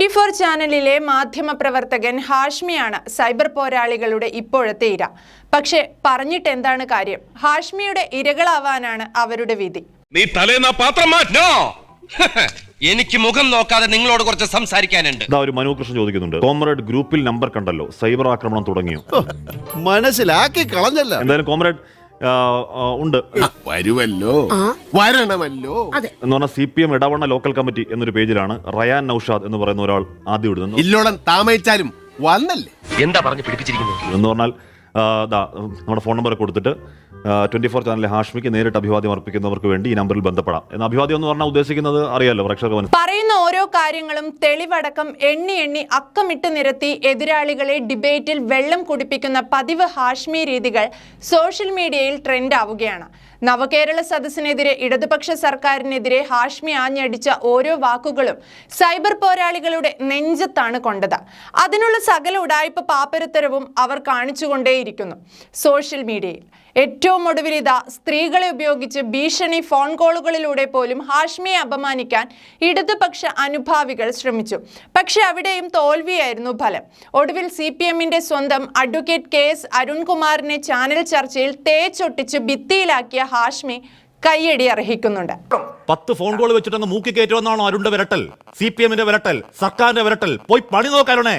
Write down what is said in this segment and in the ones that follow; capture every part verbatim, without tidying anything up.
Twenty four ചാനലിലെ മാധ്യമപ്രവർത്തകൻ ഹാഷ്മിയാണ് cyber പോരാളികളുടെ ഇപ്പോഴത്തെ ഇര. പക്ഷെ പറഞ്ഞിട്ട് എന്താണ് കാര്യം? ഹാഷ്മിയുടെ ഇരകളാവാനാണ് അവരുടെ വിധി. നീ തലേന്നാ പാത്രം മാറ്റോ. എനിക്ക് മുഖം നോക്കാതെ നിങ്ങളോട് കുറച്ച് സംസാരിക്കാനുണ്ട്. ഒരു മനു കൃഷ്ണൻ ചോദിക്കുന്നുണ്ട്, കോമ്രേഡ് ഗ്രൂപ്പിൽ നമ്പർ കണ്ടല്ലോ, സൈബർ ആക്രമണം തുടങ്ങിയോ? മനസ്സിലാക്കി കളഞ്ഞല്ല. എന്തായാലും കോമ്രേഡ് ഉണ്ട്, വരുമല്ലോ, വരണമല്ലോ എന്ന് പറഞ്ഞാൽ C P M Edavanna local committee എന്നൊരു പേജിലാണ് റയാൻ നൌഷാദ് എന്ന് പറയുന്ന ഒരാൾ ആദ്യം ഇടുന്നത്. ഇല്ലോളം താമസിച്ചാലും വന്നല്ലേ എന്താ പറഞ്ഞു പിടിപ്പിച്ചിരിക്കുന്നത് എന്ന് പറഞ്ഞാൽ നമ്മുടെ ഫോൺ നമ്പർ കൊടുത്തിട്ട് ട്വന്റി ഫോർ ചാനലിലെ ഹാഷ്മിക്ക് നേരിട്ട് അഭിവാദ്യം അർപ്പിക്കുന്നവർക്ക് വേണ്ടി ഈ നമ്പറിൽ ബന്ധപ്പെടാം എന്ന അഭിവാദ്യം എന്ന് പറഞ്ഞാൽ ഉദ്ദേശിക്കുന്നത് അറിയാലോ പ്രേക്ഷകർ. പറയുന്ന ഓരോ കാര്യങ്ങളും തെളിവടക്കം എണ്ണി എണ്ണി അക്കമിട്ട് നിരത്തി എതിരാളികളെ ഡിബേറ്റിൽ വെള്ളം കുടിപ്പിക്കുന്ന പതിവ് ഹാഷ്മി രീതികൾ സോഷ്യൽ മീഡിയയിൽ ട്രെൻഡ് ആവുകയാണ്. നവകേരള സദസ്സിനെതിരെ ഇടതുപക്ഷ സർക്കാരിനെതിരെ ഹാഷ്മി ആഞ്ഞടിച്ച ഓരോ വാക്കുകളും സൈബർ പോരാളികളുടെ നെഞ്ചത്താണ് കൊണ്ടത്. അതിനുള്ള സകല ഉടായ്പ പാപ്പരത്തരവും അവർ കാണിച്ചുകൊണ്ടേയിരിക്കുന്നു സോഷ്യൽ മീഡിയയിൽ. ഏറ്റവും ഒടുവിൽ ഇതാ സ്ത്രീകളെ ഉപയോഗിച്ച് ഭീഷണി ഫോൺ കോളുകളിലൂടെ പോലും ഹാഷ്മിയെ അപമാനിക്കാൻ ഇടതുപക്ഷ അനുഭാവികൾ ശ്രമിച്ചു. പക്ഷെ അവിടെയും തോൽവിയായിരുന്നു ഫലം. ഒടുവിൽ സി പി എമ്മിന്റെ സ്വന്തം അഡ്വക്കേറ്റ് കെ എസ് അരുൺകുമാറിനെ ചാനൽ ചർച്ചയിൽ തേച്ചൊട്ടിച്ച് ഭിത്തിയിലാക്കിയ ഹാഷ്മി കയ്യടി അർഹിക്കുന്നുണ്ട്. പത്ത് ഫോൺ കോൾ വെച്ചിട്ടങ്ങ് മൂക്കി കയറ്റുമെന്നാണോ അരുണിന്റെ വിരട്ടൽ? സി പി എമ്മിന്റെ വിരട്ടൽ, സർക്കാരിന്റെ വിരട്ടൽ? പോയി പണി നോക്കാനേ.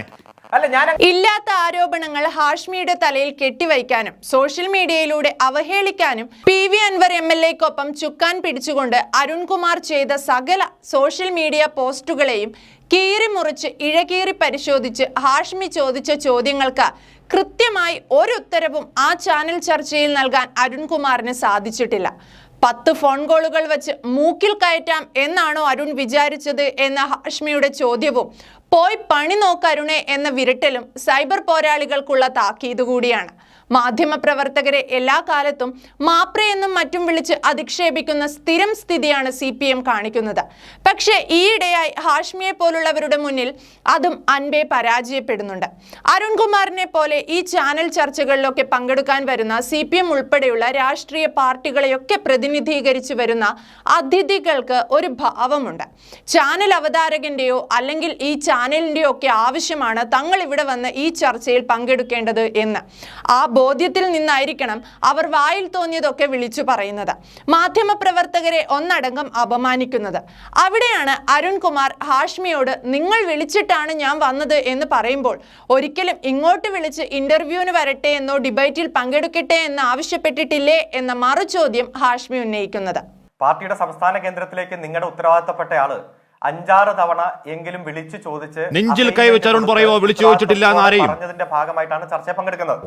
ഇല്ലാത്ത ആരോപണങ്ങൾ ഹാഷ്മിയുടെ തലയിൽ കെട്ടിവയ്ക്കാനും സോഷ്യൽ മീഡിയയിലൂടെ അവഹേളിക്കാനും P V Anvar M L എക്കൊപ്പം ചുക്കാൻ പിടിച്ചുകൊണ്ട് അരുൺകുമാർ ചെയ്ത സകല സോഷ്യൽ മീഡിയ പോസ്റ്റുകളെയും കീറി മുറിച്ച് ഇഴകീറി പരിശോധിച്ച് ഹാഷ്മി ചോദിച്ച ചോദ്യങ്ങൾക്ക് കൃത്യമായി ഒരു ഉത്തരവും ആ ചാനൽ ചർച്ചയിൽ നൽകാൻ അരുൺകുമാറിന് സാധിച്ചിട്ടില്ല. പത്ത് ഫോൺ കോളുകൾ വെച്ച് മൂക്കിൽ കയറ്റാം എന്നാണോ അരുൺ വിചാരിച്ചത് എന്ന ഹാഷ്മിയുടെ ചോദ്യവും പോയി പണി നോക്കരുണേ എന്ന വിരട്ടലും സൈബർ പോരാളികൾക്കുള്ള താക്കീത് കൂടിയാണ്. മാധ്യമപ്രവർത്തകരെ എല്ലാ കാലത്തും മാപ്രയെന്നും മറ്റും വിളിച്ച് അധിക്ഷേപിക്കുന്ന സ്ഥിരം സ്ഥിതിയാണ് സി പി എം കാണിക്കുന്നത്. പക്ഷേ ഈയിടെയായി ഹാഷ്മിയെ പോലുള്ളവരുടെ മുന്നിൽ അതും അൻപേ പരാജയപ്പെടുന്നുണ്ട്. അരുൺകുമാറിനെ പോലെ ഈ ചാനൽ ചർച്ചകളിലൊക്കെ പങ്കെടുക്കാൻ വരുന്ന സി പി എം ഉൾപ്പെടെയുള്ള രാഷ്ട്രീയ പാർട്ടികളെയൊക്കെ പ്രതിനിധീകരിച്ച് വരുന്ന അതിഥികൾക്ക് ഒരു ഭാവമുണ്ട്. ചാനൽ അവതാരകന്റെയോ അല്ലെങ്കിൽ ഈ ചാനലിന്റെയോ ഒക്കെ ആവശ്യമാണ് തങ്ങൾ ഇവിടെ വന്ന് ഈ ചർച്ചയിൽ പങ്കെടുക്കേണ്ടത് എന്ന്. ആ ബോധ്യത്തിൽ നിന്നായിരിക്കണം അവർ വായിൽ തോന്നിയതൊക്കെ വിളിച്ചു പറയുന്നത്, മാധ്യമപ്രവർത്തകരെ ഒന്നടങ്കം അപമാനിക്കുന്നത്. അവിടെയാണ് അരുൺകുമാർ ഹാഷ്മിയോട് നിങ്ങൾ വിളിച്ചിട്ടാണ് ഞാൻ വന്നത് എന്ന് പറയുമ്പോൾ ഒരിക്കലും ഇങ്ങോട്ട് വിളിച്ച് ഇന്റർവ്യൂവിന് വരട്ടെ എന്നോ ഡിബേറ്റിൽ പങ്കെടുക്കട്ടെ എന്ന് ആവശ്യപ്പെട്ടിട്ടില്ലേ എന്ന മറുചോദ്യം ഹാഷ്മി ഉന്നയിക്കുന്നത്. പാർട്ടിയുടെ സംസ്ഥാന കേന്ദ്രത്തിലേക്ക് നിങ്ങളുടെ ഉത്തരവാദിത്തപ്പെട്ട ആള് അഞ്ചാറ് തവണ എങ്കിലും വിളിച്ചു ചോദിച്ച് നെഞ്ചിൽ കൈവച്ച് അരുൺ പറയുമോ വിളിച്ചു ചോദിച്ചിട്ടില്ല എന്നാരെയും പറഞ്ഞതിന്റെ ഭാഗമായിട്ടാണ് ചർച്ചയിൽ പങ്കെടുക്കുന്നത്.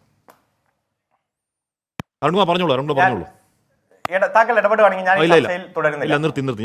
താങ്കൾ ഇടപെടുകയാണെങ്കിൽ ഞാൻ ചർച്ചയിൽ തുടരുന്നില്ല.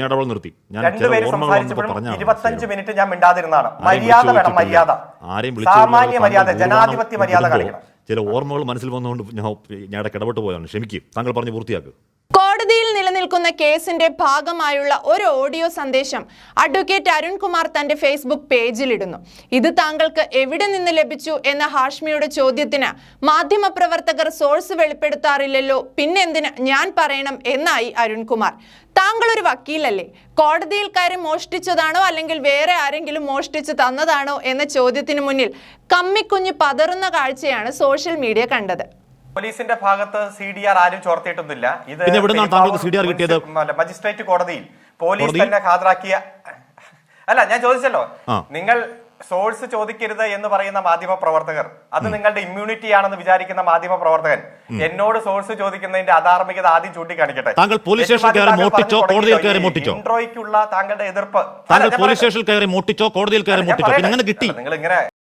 ഇരുപത്തഞ്ച് മിനിറ്റ് ഞാൻ മിണ്ടാതിരുന്നതാണ്. മര്യാദ വേണം, മര്യാദ, സാമാന്യ മര്യാദ, ജനാധിപത്യ മര്യാദ കാണിക്കണം. ചില ഓർമ്മകൾ മനസ്സിൽ വന്നുകൊണ്ട് ഞാൻ ഇടപെട്ട് പോയതാണ്. ക്ഷമിക്കും, താങ്കൾ പറഞ്ഞു പൂർത്തിയാക്കുക. കോടതിയിൽ നിലനിൽക്കുന്ന കേസിന്റെ ഭാഗമായുള്ള ഒരു ഓഡിയോ സന്ദേശം അഡ്വക്കേറ്റ് അരുൺകുമാർ തന്റെ ഫേസ്ബുക്ക് പേജിലിടുന്നു. ഇത് താങ്കൾക്ക് എവിടെ നിന്ന് ലഭിച്ചു എന്ന ഹാഷ്മിയുടെ ചോദ്യത്തിന് മാധ്യമപ്രവർത്തകർ സോഴ്സ് വെളിപ്പെടുത്താറില്ലല്ലോ, പിന്നെന്തിന് ഞാൻ പറയണം എന്നായി അരുൺകുമാർ. താങ്കൾ ഒരു വക്കീലല്ലേ? കോടതിയിൽ കയറി മോഷ്ടിച്ചതാണോ അല്ലെങ്കിൽ വേറെ ആരെങ്കിലും മോഷ്ടിച്ച് തന്നതാണോ എന്ന ചോദ്യത്തിന് മുന്നിൽ കമ്മിക്കുഞ്ഞ് പതറുന്ന കാഴ്ചയാണ് സോഷ്യൽ മീഡിയ കണ്ടത്. പോലീസിന്റെ ഭാഗത്ത് സി ഡി ആർ ആരും ചോർത്തിയിട്ടൊന്നുമില്ല. ഇത് മജിസ്ട്രേറ്റ് കോടതിയിൽ പോലീസ് തന്നെ ഹാജരാക്കിയ അല്ല. ഞാൻ ചോദിച്ചല്ലോ, നിങ്ങൾ സോഴ്സ് ചോദിക്കരുത് എന്ന് പറയുന്ന മാധ്യമ പ്രവർത്തകർ, അത് നിങ്ങളുടെ ഇമ്മ്യൂണിറ്റി ആണെന്ന് വിചാരിക്കുന്ന മാധ്യമ പ്രവർത്തകൻ എന്നോട് സോഴ്സ് ചോദിക്കുന്നതിന്റെ അധാർമികത ആദ്യം ചൂണ്ടിക്കാണിക്കട്ടെ. ഇൻട്രോയ്ക്കുള്ള താങ്കളുടെ എതിർപ്പ് പോലീസ് സ്റ്റേഷനിൽ കയറി മോട്ടിച്ചോ കോടതിയിൽ കയറി മോട്ടിച്ചോ, നിങ്ങൾ ഇങ്ങനെ